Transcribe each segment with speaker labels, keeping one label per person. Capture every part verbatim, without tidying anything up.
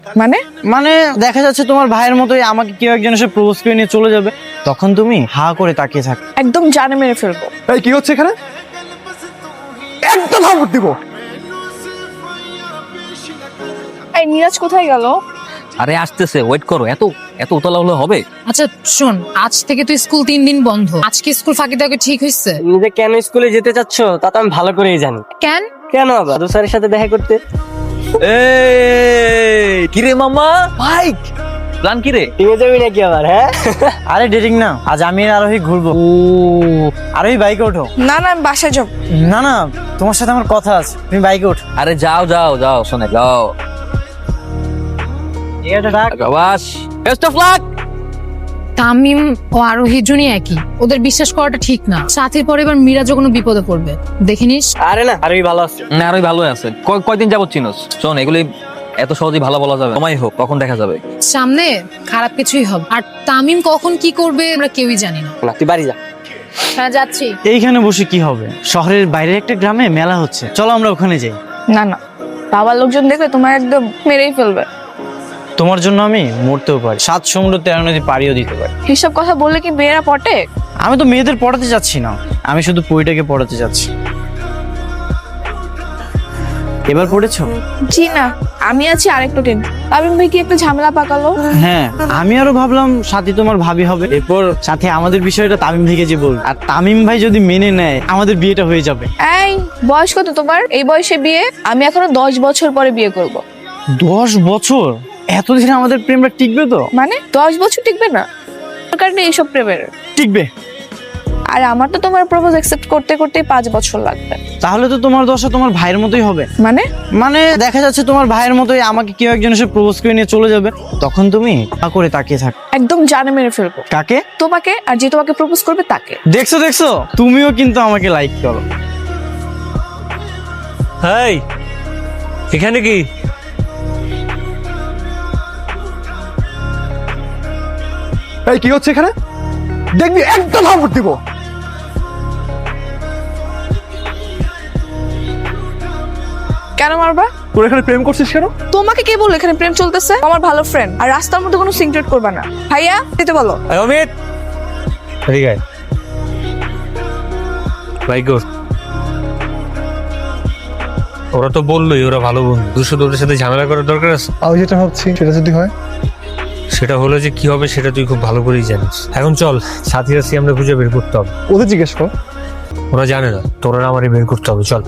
Speaker 1: মানে
Speaker 2: মানে দেখা যাচ্ছে তোমার ভাইয়ের মতোই আমাকে কেউ একজন এসে প্রপোজ করে নিয়ে চলে যাবে, তখন তুমি হা করে তাকিয়ে থাকো।
Speaker 1: একদম জানে মেরে ফেলবো।
Speaker 3: এই কি হচ্ছে এখানে? একদম হাবুট দিব।
Speaker 1: এই নিরাজ কোথায় গেল?
Speaker 4: আরে আসতেছে, ওয়েট করো। এত এত উতলা হলে হবে?
Speaker 5: আচ্ছা শোন, আজ থেকে তো স্কুল তিন দিন বন্ধ। আজকে স্কুল ফাঁকি দেওয়া ঠিক হয়েছে?
Speaker 6: নিজে কেন স্কুলে যেতে চাচ্ছ তা তো আমি ভালো করেই জানি।
Speaker 5: কেন?
Speaker 6: কেন আবার দাদু স্যারের সাথে দেখা করতে।
Speaker 4: এই কিরে মামা, বাইক প্ল্যান কিরে?
Speaker 6: টিমে যাবি নাকি আবার? হ্যাঁ
Speaker 2: আরে ডেটিং না, আজ আমি আর আরোহী ঘুরবো।
Speaker 4: ও
Speaker 2: আরোহী বাইকে ওঠো।
Speaker 1: না না আমি বাসায় যাব।
Speaker 2: না না, তোমার সাথে আমার কথা আছে, তুমি বাইকে ওঠো।
Speaker 4: আরে যাও যাও যাও, শোনে যাও।
Speaker 2: এটা ডাক।
Speaker 4: বাস বেস্ট অফ লাক।
Speaker 5: তামিম ও আরোহীর জনই একই, ওদের বিশ্বাস করাটা ঠিক না। সাথীর পরে এবার মিরাজও কোনো বিপদে পড়বে, দেখে নিস।
Speaker 6: আরে না, আরোই ভালো আছে।
Speaker 4: না আরোই ভালোই আছে। কয়- কয়দিন যাবত চিনোস? শোন, এগুলি এত সহজেই ভালো বলা যাবে, সময় হোক তখন দেখা যাবে।
Speaker 5: সামনে খারাপ কিছুই হবে, আর তামিম কখন কি করবে আমরা কেউই জানি না।
Speaker 6: না তুই বাড়ি যা।
Speaker 5: হ্যাঁ যাচ্ছি।
Speaker 2: এইখানে বসে কি হবে? শহরের বাইরে একটা গ্রামে মেলা হচ্ছে, চলো আমরা ওখানে যাই।
Speaker 1: না না, বাবার লোকজন দেখলে তোমার একদম মেরেই ফেলবে।
Speaker 2: তোমার জন্য আমি মরতেও পারি, সাত সমুদ্র তেরো নদী পাড়িও দিতে পারি।
Speaker 1: হিসাব কথা বললে কি মেয়েরা পটে?
Speaker 2: আমি তো মেয়েদের পড়াতে যাচ্ছি না, আমি শুধু পরিটাকে পড়াতে যাচ্ছি। এবার পড়েছো?
Speaker 1: জি না, আমি আছি আরেকটু টেন। তামিম ভাই কি একটা ঝামেলা পাকালো?
Speaker 2: হ্যাঁ, আমি আরো ভাবলাম সাথী তোমার ভাবি হবে, এরপর সাথে আমাদের বিষয়টা তামিম ভাইকে যে বল, আর তামিম ভাই যদি মেনে নেয় আমাদের বিয়েটা হয়ে যাবে।
Speaker 1: এই বয়স কত তোমার? এই বয়সে বিয়ে? আমি এখনো দশ বছর পরে বিয়ে করব।
Speaker 2: দশ বছর? এতদিন আমাদের প্রেমটা টিকবে তো?
Speaker 1: মানে দশ বছর টিকবে না? দরকার নেই এইসব প্রেমের।
Speaker 2: টিকবে।
Speaker 1: আর আমার তো তোমার প্রপোজ অ্যাকসেপ্ট করতে করতে পাঁচ বছর লাগবে।
Speaker 2: তাহলে তো তোমার দশা তোমার ভাইয়ের মতোই হবে।
Speaker 1: মানে
Speaker 2: মানে দেখা যাচ্ছে তোমার ভাইয়ের মতোই আমাকে কেউ একজন এসে প্রপোজ করে নিয়ে চলে যাবে, তখন তুমি হা করে তাকিয়ে থাকো।
Speaker 1: একদম জানে মেরে ফেলবো।
Speaker 2: কাকে?
Speaker 1: তোমাকে, আর যে তোমাকে প্রপোজ করবে তাকে।
Speaker 2: দেখছো দেখছো, তুমিও কিন্তু আমাকে লাইক করো।
Speaker 7: হাই, এখানে কি?
Speaker 3: এই কি হচ্ছে এখানে? দেখবি একদম হাবুট দিব।
Speaker 1: কেন মারবা?
Speaker 3: তোর এখানে প্রেম করছিস কেন?
Speaker 1: তোমাকে কে বললো এখানে প্রেম চলতেছে? আমার ভালো ফ্রেন্ড, আর রাস্তার মধ্যে কোনো সিনক্রেট করবা না। ভাইয়া দিতে বলো।
Speaker 7: এই অমিত, এদিকে আয়। ভাই গো, ওরা তো বললোই ওরা ভালো বন্ধু, দুশো ওদের সাথে ঝামেলা করার দরকার আছে?
Speaker 3: আমি যেটা ভাবছি সেটা যদি হয়।
Speaker 7: সেটা হলে যে কি হবে সেটা তুই খুব ভালো করেই জানিস। এখন চল, সাথী আছি আমরা খুঁজে বের করতে হবে।
Speaker 3: ওদের জিজ্ঞেস কর।
Speaker 7: ওরা জানে না, তোরা আমারই বের করতে হবে। চল।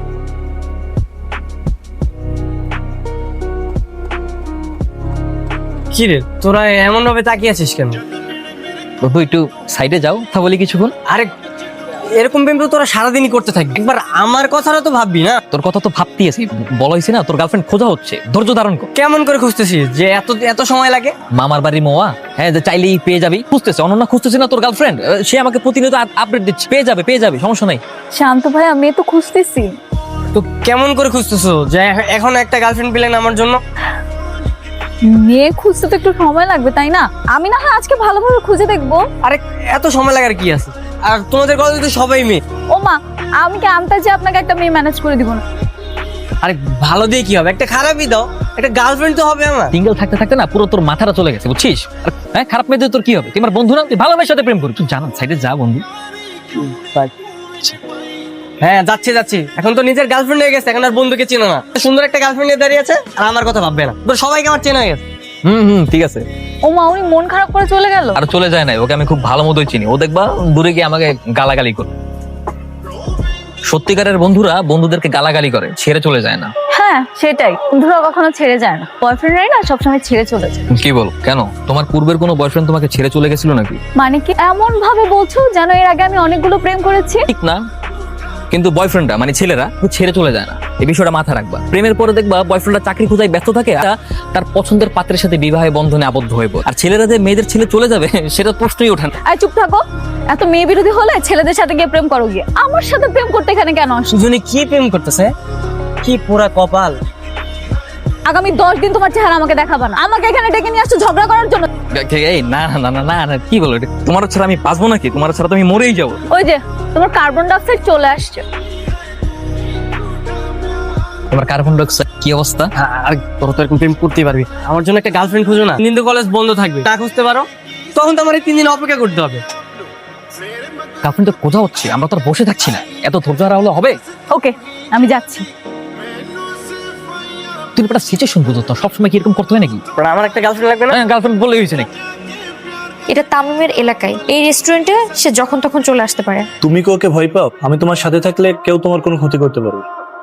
Speaker 6: কি রে তোরা এমন ভাবে তাকিয়ে আছিস কেন?
Speaker 4: বন্ধু একটু সাইডে যাও, কথা বলি কিছুক্ষণ।
Speaker 6: আরে এরকম প্রেম তো তোরা সারাদিনই করতে থাকবি, একবার আমার কথাটা তো ভাববি না?
Speaker 4: তোর কথা তো ভাবতেই আছি, বলা হয়েছে না তোর গার্লফ্রেন্ড খোঁজা হচ্ছে, ধৈর্য ধারণ কর।
Speaker 6: কেমন করে খুঁজতেছিস যে এত এত সময় লাগে?
Speaker 4: মামার বাড়ি মোয়া, হ্যাঁ যে চাইলেই পেয়ে যাবি। খুঁজতেছে, অনন্যা খুঁজতেছে না তোর গার্লফ্রেন্ড, সে আমাকে প্রতিনিয়ত আপডেট দিচ্ছে। পেয়ে যাবে পেয়ে যাবে, সমস্যা নাই।
Speaker 1: শান্ত ভাই, আমি তো খুঁজতেছি।
Speaker 6: তো কেমন করে খুঁজতেছো যে এখন একটা গার্লফ্রেন্ড পেলেন আমার জন্য?
Speaker 8: মেয়ে খুঁজতে তো একটু সময় লাগবে তাই না? আমি না হয় আজকে ভালোভাবে খুঁজে দেখবো।
Speaker 6: আরে এত সময় লাগার কি আছে? আর তোমাদের কলেজে তো সবাই মেয়ে।
Speaker 8: ও মা, আমি কি আমতা যে আপনাকে একটা মেয়ে ম্যানেজ করে দিব না?
Speaker 6: আরে ভালো দিয়ে কি হবে, একটা খারাপই দাও, একটা গার্লফ্রেন্ড তো হবে আমার।
Speaker 4: সিঙ্গেল থাকতে থাকতে না পুরো তোর মাথাটা চলে গেছে, বুঝছিস? আর, হ্যাঁ খারাপ মেয়েদের তোর কি হবে? তুই আমার বন্ধু না, তুই ভালোবাসার সাথে প্রেম করবি। তুই জানা সাইডে যা বন্ধু।
Speaker 6: হ্যাঁ যাচ্ছে যাচ্ছে, এখন তো নিজের গার্লফ্রেন্ড হয়ে গেছে, এখন আর বন্ধুকে চেনো না। সুন্দর একটা গার্লফ্রেন্ড নিয়ে দাঁড়িয়ে আছে আর আমার কথা ভাববে না। তো সবাইকে আমার চেনা হয়ে গেছে।
Speaker 4: হুম হুম ঠিক আছে।
Speaker 8: ও মা, উনি মন খারাপ করে চলে গেল।
Speaker 4: আর চলে যায় না, ওকে আমি খুব ভালো মতোই চিনি। ও দেখবা দূরে গিয়ে আমাকে গালাগালি করে। সত্যিকারের বন্ধুরা বন্ধুদেরকে গালাগালি করে, ছেড়ে চলে যায় না।
Speaker 8: হ্যাঁ সেটাই, বন্ধুরা কখনো ছেড়ে যায় না, বয়ফ্রেন্ডরাই না সবসময় ছেড়ে চলে যায়।
Speaker 4: কি বল? কেন, তোমার পূর্বের কোনো বয়ফ্রেন্ড তোমাকে ছেড়ে চলে গেছিল নাকি?
Speaker 8: মানে কি এমন ভাবে বলছো যেন এর আগে আমি অনেকগুলো প্রেম করেছি?
Speaker 4: ঠিক না, কিন্তু বয়ফ্রেন্ডরা মানে ছেলেরা ছেড়ে চলে যায় না, এই বিষয়টা মাথায় রাখবা। প্রেমের পরে দেখবা বয়ফ্রেন্ডরা চাকরি খোঁজায় ব্যস্ত থাকে, আর তার পছন্দের পাত্রের সাথে বিবাহ বন্ধনে আবদ্ধ হয়ে পড়ে। আর ছেলেরা যে মেয়েদের ছেলে চলে যাবে সেটা প্রশ্নই ওঠে না।
Speaker 8: আর চুপ থাকো, এত মেয়ে বিরোধী হলে ছেলেদের সাথে গিয়ে প্রেম করো গিয়ে, আমার সাথে প্রেম করতে এখানে কেন আসছো?
Speaker 6: দুজনে কি প্রেম করতেছে, কি পুরা কপাল।
Speaker 8: আগামী দশ দিন তোমার চেহারা আমাকে দেখাবা না, আমাকে এখানে ডেকে নিয়ে আসছো ঝগড়া করার জন্য।
Speaker 4: এই না না না না না, কি বলো? তোমার ছাড়া আমি বাঁচবো নাকি? তোমার ছাড়া তো আমি মরেই যাবো।
Speaker 8: ওই যে তোমার কার্বন ডাইঅক্সাইড চলে আসছে।
Speaker 4: তোমার কার্বন ডাইঅক্সাইড কি অবস্থা?
Speaker 6: আর তোর তো এরকম প্রেম করতেই পারবি, আমার জন্য একটা গার্লফ্রেন্ড খুঁজো না। তিন দিন তো কলেজ বন্ধ থাকবে, না খুঁজতে পারো তখন তো আমার এই তিন দিন অপেক্ষা করতে হবে।
Speaker 4: গার্লফ্রেন্ড তো কোথাও হচ্ছে, আমরা তো আর বসে থাকছি না, এত ধৈর্য হারা হলে হবে?
Speaker 8: ওকে, আমি যাচ্ছি।
Speaker 4: তুমি একটা সিচুয়েশন বুঝো তো, সবসময় কি এরকম করতে হয় নাকি?
Speaker 6: আর আমার একটা গার্লফ্রেন্ড লাগবে না?
Speaker 4: গার্লফ্রেন্ড বলে হয়েছে নাকি?
Speaker 9: এটা তামিমের এলাকায়, এই রেস্টুরেন্টে সে যখন তখন চলে আসতে পারে।
Speaker 10: তুমি কি ওকে ভয় পাও? আমি তোমার সাথে থাকলে কেউ তোমার কোনো ক্ষতি করতে পারবে।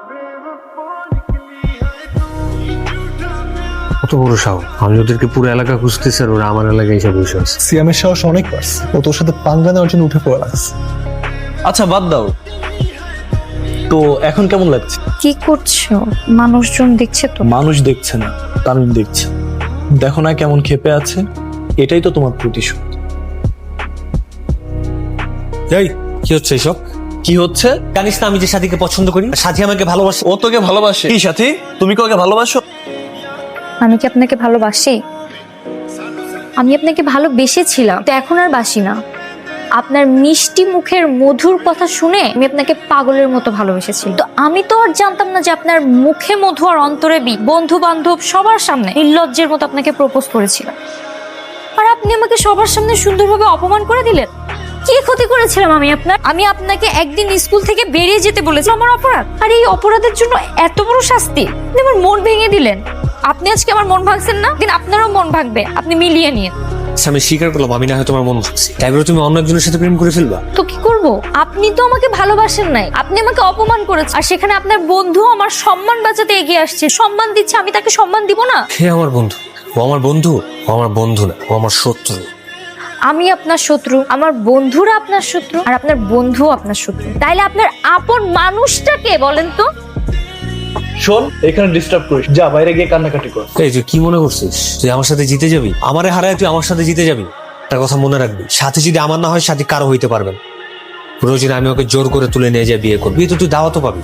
Speaker 7: কত বড় সাহস! আমি ওদেরকে পুরো এলাকা খুঁজতেছি আর ওরা আমার এলাকায় এসে বসে আছে।
Speaker 3: সিয়ামের সাহস অনেক পারছে, ও তোর সাথে পাঙ্গা নেওয়ার জন্য উঠে পড়ে লাগছে।
Speaker 10: আচ্ছা বাদ দাও তো, এখন কেমন লাগছে?
Speaker 9: কি করছো? মানুষজন দেখছে তো।
Speaker 10: মানুষ দেখছে না, তামিম দেখছে। দেখো না কেমন ক্ষেপে আছে, এটাই তো তোমার প্রতিশোধ।
Speaker 7: এই কি হচ্ছে এসব?
Speaker 10: কি হচ্ছে?
Speaker 7: জানিস না আমি যে সাথীকে পছন্দ করি, সাথী আমাকে ভালোবাসে।
Speaker 10: ও তোকে ভালোবাসে? কি সাথী, তুমি কি ওকে ভালোবাসো?
Speaker 9: আমি কি আপনাকে ভালোবাসি? আমি আপনাকে ভালোবেসেছিলাম, তো এখন আর বাসি না। আপনার মিষ্টি মুখের মধুর কথা শুনে আমি আপনাকে পাগলের মতো ভালোবেসেছি। তো আমি তো আর জানতাম না যে আপনার মুখে মধু আর অন্তরে বি। বন্ধু বান্ধব সবার সামনে নির্লজ্জের মতো আপনাকে প্রপোজ করেছিলাম, আর আপনি আমাকে সবার সামনে সুন্দরভাবে অপমান করে দিলেন। কি ক্ষতি করেছিলাম আমি আপনার? আমি আপনাকে একদিন স্কুল থেকে বেরিয়ে যেতে বলেছিলাম, আমার অপরাধ। আর এই অপরাধের জন্য এত বড় শাস্তি? আপনি আমার মন ভেঙে দিলেন। আপনি আজকে আমার মন ভাঙছেন না, দিন আপনারও মন ভাঙবে। আপনি মিলিয়ে নিন।
Speaker 7: আমি স্বীকার করলাম আমি না হয় তোমার মন ভাঙছি, তাই বলে তুমি অন্য একজনের সাথে প্রেম করে ফেলবা?
Speaker 9: তো কি করব? আপনি তো আমাকে ভালোবাসেন নাই, আপনি আমাকে অপমান করেছেন। আর সেখানে আপনার বন্ধু আমার সম্মান বাঁচাতে এগিয়ে আসছে, সম্মান দিচ্ছে, আমি তাকে সম্মান দিব না?
Speaker 7: হে আমার বন্ধু, ও আমার বন্ধু, ও আমার বন্ধু না, ও আমার শত্রু।
Speaker 9: আমি আপনার শত্রু, আমার বন্ধুরা আপনার শত্রু, আর আপনার বন্ধু আপনার শত্রু। তাইলে আপনার আপন মানুষটাকে বলেন তো?
Speaker 10: শোন, এখানে ডিস্টার্ব করিস, যা বাইরে গিয়ে কান্নাকাটি কর।
Speaker 7: এই তুই কি মনে করছিস তুই আমার সাথে জিতে যাবি? আমারে হারায় তুই আমার সাথে জিতে যাবি? একটা কথা মনে রাখবি, সাথে যদি আমার না হয় সাথে কারো হইতে পারবেন। প্রয়োজনে আমি ওকে জোর করে তুলে নিয়ে যাই বিয়ে করবি, বিয়ে তো তুই দাওয়াতও পাবি।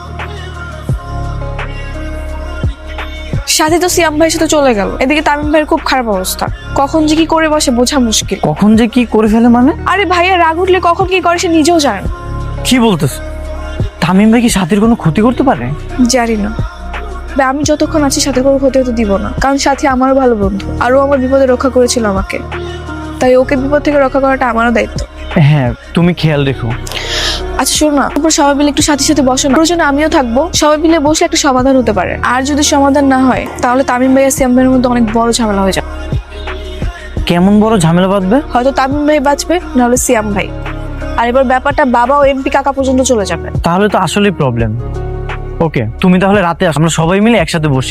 Speaker 1: সাথে তো সিয়াম ভাইয়ের সাথে চলে গেল, এদিকে তামিম ভাইয়ের খুব খারাপ অবস্থা। কখন যে কি করে বসে বোঝা মুশকিল।
Speaker 2: কখন যে কি করে ফেলে মানে?
Speaker 1: আরে ভাইয়া রাগ উঠলে কখন কি করে সে নিজেও জানে না।
Speaker 2: কি বলতেছ? তামিম ভাই কি সাথীর কোনো ক্ষতি করতে পারে?
Speaker 1: জানি না, তবে আমি যতক্ষণ আছি সাথে কোনো ক্ষতি হতে দিব না, কারণ সাথী আমারও ভালো বন্ধু, আরও আমার বিপদে রক্ষা করেছিল আমাকে। তাই ওকে বিপদ থেকে রক্ষা করাটা আমারও দায়িত্ব।
Speaker 2: হ্যাঁ, তুমি খেয়াল রেখো।
Speaker 1: আচ্ছা শোনো না, তারপর সবাই মিলে একটু সাথীর সাথে বসো না, প্রয়োজনে আমিও থাকবো। সবাই মিলে বসলে একটা সমাধান হতে পারে। আর যদি সমাধান না হয় তাহলে তামিম ভাই আর সিয়াম ভাইয়ের মধ্যে অনেক বড় ঝামেলা হয়ে যাবে।
Speaker 2: কেমন বড় ঝামেলা বাঁধবে?
Speaker 1: হয়তো তামিম ভাই বাঁচবে, নাহলে সিয়াম ভাই। আর এবার ব্যাপারটা বাবা ও এমপি কাকা পর্যন্ত চলে যাবে।
Speaker 2: তাহলে তো আসলেই প্রবলেম। ওকে, তুমি তাহলে রাতে আসো, আমরা সবাই মিলে একসাথে বসি।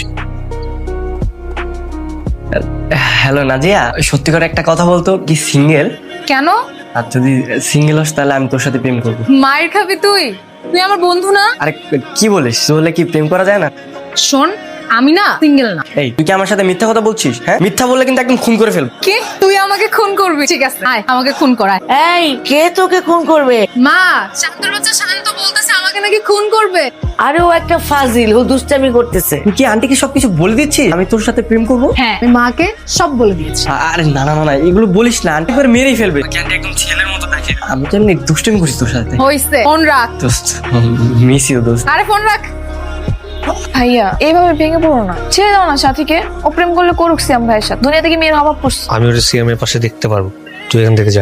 Speaker 6: হ্যালো নাজিয়া, সত্যি করে একটা কথা বলতো, কি সিঙ্গেল?
Speaker 5: কেন?
Speaker 6: আর যদি সিঙ্গেল হস তাহলে আমি তোর সাথে প্রেম করবো।
Speaker 5: মায়ের খাবি তুই? তুই আমার বন্ধু না?
Speaker 6: আরে কি বলিস, তাহলে কি প্রেম করা যায় না?
Speaker 5: শোন, আমি না সিঙ্গেল না।
Speaker 6: এই তুই কি আমার সাথে মিথ্যা কথা বলছিস? হ্যাঁ, মিথ্যা বললে কিন্তু একদম খুন করে ফেলবো।
Speaker 5: কি তুই আমাকে খুন করবি? ঠিক আছে, আয় আমাকে খুন করায়।
Speaker 11: এই কে তোকে খুন করবে?
Speaker 5: মা, শান্তর বাচ্চা শান্ত বলতেছে আমাকে নাকি খুন করবে।
Speaker 11: আরে ও একটা ফাজিল, ও দুষ্টামি করতেছে।
Speaker 6: তুই কি আন্টিকে সবকিছু বলে দিচ্ছিস আমি তোর সাথে প্রেম করবো?
Speaker 5: হ্যাঁ, আমি মাকে সব বলে দিয়েছি।
Speaker 6: আরে না না না না, এগুলো বলিস না, আন্টি করে মেরেই ফেলবে। আন্টি একদম ছেলের মতো দেখে। আমি তো এমনি দুষ্টামি করিস তোর সাথে।
Speaker 5: হইছে, ফোন রাখ।
Speaker 6: দোস্ত, মিস ইউ দোস্ত।
Speaker 5: আরে ফোন রাখ।
Speaker 1: ভাইয়া এইভাবে ভেঙে পড়ো না, ছেড়ে দাও না সাথীকে। ও প্রেম করলে করুক সিয়াম ভাইয়ের সাথে, দুনিয়া থেকে মেয়ের অভাব পড়ছে।
Speaker 7: আমি ওটা সিএমের পাশে দেখতে পারবো, তুই এখান থেকে যা।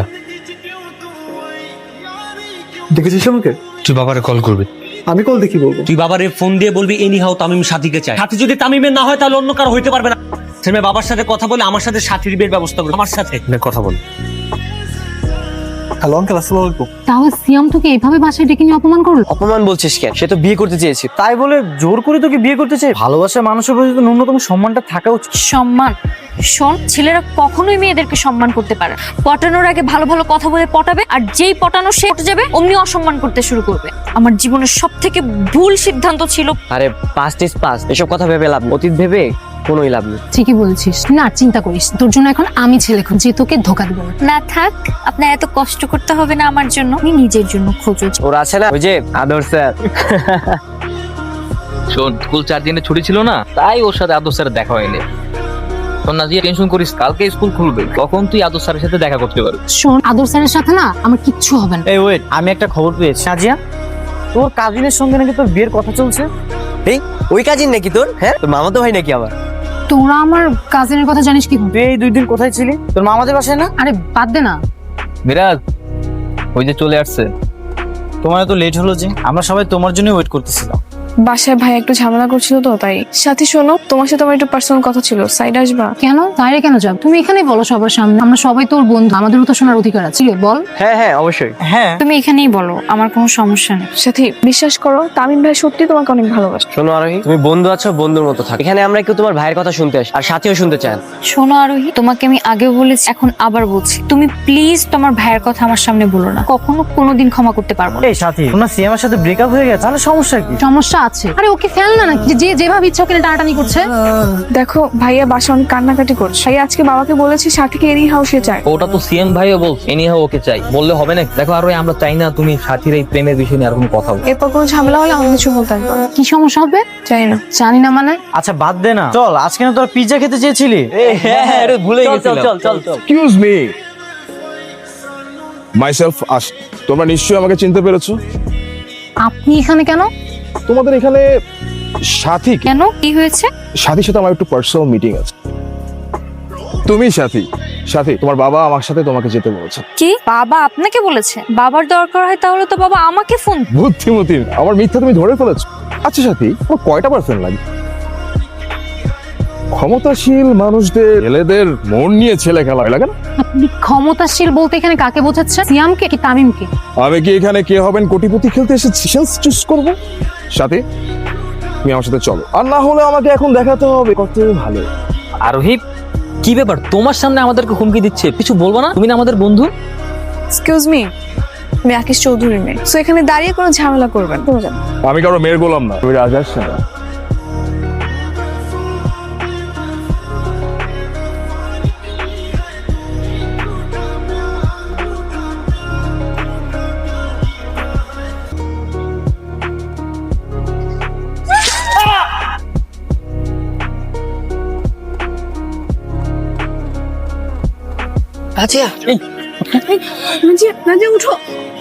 Speaker 3: দেখেছিস আমাকে?
Speaker 7: তুই বাবারে কল করবি।
Speaker 3: আমি কল দেখি বলবো।
Speaker 7: তুই বাবারে ফোন দিয়ে বলবি এনি হাও তামিম সাথীকে চায়। সাথী যদি তামিমের না হয় তাহলে অন্য কারো হইতে পারবে না। ছেলে বাবার সাথে কথা বলে আমার সাথে সাথীর বিয়ের ব্যবস্থা করবে। আমার সাথে কথা বল।
Speaker 3: হ্যালো আঙ্কেল, আসসালামু আলাইকুম।
Speaker 5: তাহলে সিয়াম তোকে এইভাবে বাসায় ডেকে নিয়ে অপমান করলো?
Speaker 6: অপমান বলছিস কেন? সে তো বিয়ে করতে চেয়েছে।
Speaker 2: তাই বলে জোর করে তোকে বিয়ে করতে চাই? ভালোবাসার মানুষের প্রতি তো ন্যূনতম সম্মানটা থাকা উচিত।
Speaker 9: সম্মান? শোন, ছেলেরা কখনোই মেয়েদেরকে সম্মান করতে পারে না। পটানোর আগে ভালো ভালো কথা বলে পটাবে, আর যেই পটানো সে পটে যাবে অমনি অসম্মান করতে শুরু করবে। আমার জীবনের সব থেকে ভুল সিদ্ধান্ত ছিল।
Speaker 6: আরে পাস্ট ইজ পাস্ট, এসব কথা ভেবে লাভ নেই। অতীত ভেবে কোনোই লাভ নেই।
Speaker 5: ঠিকই বলছিস, না চিন্তা করিস, তোর জন্য এখন আমি ছেলে খুঁজি, তোকে ধোকা দিব না।
Speaker 9: না থাক, আপনার এত কষ্ট করতে হবে না আমার জন্য, আমি নিজের জন্য খোঁজো।
Speaker 6: ওরা আছে না, ওই যে আদর স্যার।
Speaker 4: শোন, স্কুল চার দিনের ছুটি ছিল না, তাই ওর সাথে আদর স্যারের দেখা হয়নি। শোন নাজিয়া, টেনশন করিস, কালকে স্কুল খুলবে, তখন তুই আদর স্যারের সাথে দেখা করতে পারবি।
Speaker 5: শোন, আদর স্যারের সাথে না আমার কিচ্ছু হবে না।
Speaker 2: এই ওয়েট, আমি একটা খবর পেয়েছি। নাজিয়া, তোর কাজিনের সঙ্গে নাকি তোর বিয়ের কথা চলছে।
Speaker 6: এই ওই কাজিন নাকি তোর? হ্যাঁ, তোর মামা তো ভাই নাকি আবার?
Speaker 5: তোরা আমার কাজিনের কথা জানিস কি?
Speaker 2: তুই এই দুই দিন কোথায় ছিলি? তোর মা আমাদের বাসায় না?
Speaker 5: আরে বাদ দে না।
Speaker 4: মিরাজ ওই যে চলে আসছে।
Speaker 2: তোমার এত লেট হলো যে? আমরা সবাই তোমার জন্য ওয়েট করতেছিলাম।
Speaker 1: বাসায় ভাই একটু ঝামেলা করছিল তো তাই। সাথী শোনো, তোমার সাথে আমার একটু পার্সোনাল কথা ছিল, সাইড আসবা?
Speaker 5: কেন বাইরে কেন যাব? তুমি এখানেই বলো সবার সামনে, আমরা সবাই তোর বন্ধু, আমাদেরও তো শোনার অধিকার আছে। বল।
Speaker 6: হ্যাঁ হ্যাঁ অবশ্যই।
Speaker 2: হ্যাঁ
Speaker 9: তুমি এখানেই বলো, আমার কোনো সমস্যা নেই।
Speaker 1: সাথী বিশ্বাস করো, তামিম ভাই সত্যি তোমাকে অনেক ভালোবাসে।
Speaker 6: শোনো আরোহী, তুমি বন্ধু আছো, বন্ধুর মতো থাকো। এখানে আমরা কেউ তোমার ভাইয়ের কথা শুনতে আসি, আর সাথীও শুনতে চান।
Speaker 9: শোনো আরোহী, তোমাকে আমি আগেও বলেছি, এখন আবার বলছি, তুমি প্লিজ তোমার ভাইয়ের কথা আমার সামনে বলো না। কখনো কোনোদিন ক্ষমা করতে পারবো না।
Speaker 2: এই সাথী, তোমার সিয়ামের সাথে ব্রেকআপ হয়ে গেছে, তাহলে সমস্যা কি?
Speaker 5: সমস্যা আছে। আরে ওকে ফেল না নাকি, যে যেভাবে ইচ্ছা ওকে টানাটানি করছে।
Speaker 1: দেখো ভাইয়া বাসা অনেক কান্নাকাটি করছে, ভাইয়া আজকে বাবাকে বলেছি সাথীকে এনি হাউ সে চায়।
Speaker 4: ওটা তো সিএম ভাইও বল এনি হাও ওকে চাই, বললে হবে না? দেখো আর আমরা চাই না তুমি সাথীর এই প্রেমের বিষয় নিয়ে আর কোনো কথা বলো।
Speaker 1: এরপর কোনো ঝামেলা হলে আমাকে কিছু বলতে হবে।
Speaker 5: কি সমস্যা হবে?
Speaker 1: চাই না।
Speaker 5: জানি না মানে?
Speaker 2: আচ্ছা বাদ দে না, চল আজকে না তোরা পিৎজা খেতে চেয়েছিলি।
Speaker 4: হ্যাঁ হ্যাঁ ভুলে গেছিলাম। চল চল চল।
Speaker 3: এক্সকিউজ মি, মাইসেলফ আশ। তোমরা নিশ্চয়ই আমাকে চিনতে পেরেছো।
Speaker 5: আপনি এখানে কেন?
Speaker 3: তোমাদের এখানে সাথী কে?
Speaker 9: কেন, কি হয়েছে?
Speaker 3: সাথীর সাথে আমার একটু পার্সোনাল মিটিং আছে। তুমি সাথী? সাথী, তোমার বাবা আমার সাথে তোমাকে যেতে বলেছে।
Speaker 9: কি বাবা আপনাকে বলেছে? বাবার দরকার হয় তাহলে তো বাবা আমাকে ফোন।
Speaker 3: বুদ্ধিমতী, আমার মিথ্যা তুমি ধরে ফেলেছো। আচ্ছা সাথী, তোমার কয়টা পার্সেন্ট লাগে? ক্ষমতাশীল মানুষদের ছেলেদের মন নিয়ে ছেলে খেলা হয়, লাগে না?
Speaker 5: আপনি ক্ষমতাশীল বলতে এখানে কাকে বোঝাচ্ছে? সিয়ামকে কি তামিমকে?
Speaker 3: আমি কি এখানে কে হবেন কোটিপতি খেলতে এসেছি সেলস চুজ করবো? সাথী, তুমি আমার সাথে চলো, আর না হলে আমাকে এখন দেখাতে হবে কত ভালো।
Speaker 4: আরোহী কি ব্যাপার, তোমার সামনে আমাদেরকে হুমকি দিচ্ছে? কিছু বলবো না? তুমি না আমাদের বন্ধু।
Speaker 1: এক্সকিউজ মি, আমি আকিশ চৌধুরীর মেয়ে, সো এখানে দাঁড়িয়ে কোনো ঝামেলা করবেন না।
Speaker 3: আমি কারো মেয়ের গোলাম না, আমি রাজার সেনা।
Speaker 6: আচ্ছা
Speaker 1: নাজিয়া, নাজিয়া উঠো।